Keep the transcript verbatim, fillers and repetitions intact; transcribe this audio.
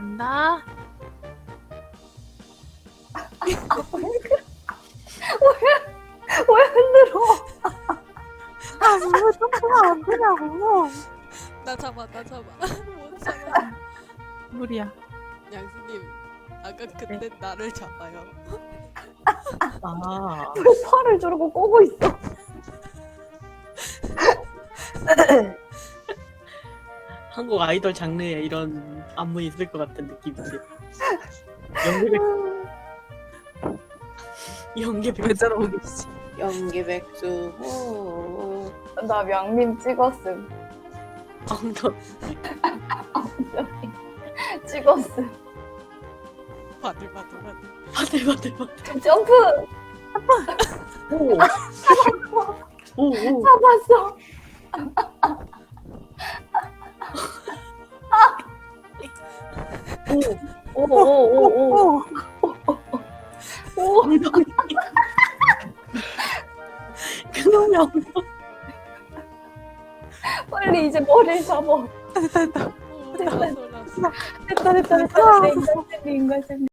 간다. 왜 흔들어? 아, 왜 점프가 안 되냐고. 나 잡아 나 잡아 못 잡아. 무리야. 양수님 아까 그때 나를 잡아요. 아. 왜 팔을 저러고 꼬고 있어? 한국 아이돌 장르에 이런 안무 있을 것 같은 느낌인데. 연계백 연계백 왜 저러고 계시지? 연기백수 호 나 명민 찍었음. 엉덩 찍었음. 바들 바들 바들. 바들 바들 바들 점프! 오오오 잡았어. 오오오오오. 오. 오. 엉덩이 그놈의 엉덩이 빨리 이제 머리를 잡아. 됐다, 됐다. 오 나서 나서. 됐다 됐다 됐다. 내 인간 생리 인간 생리.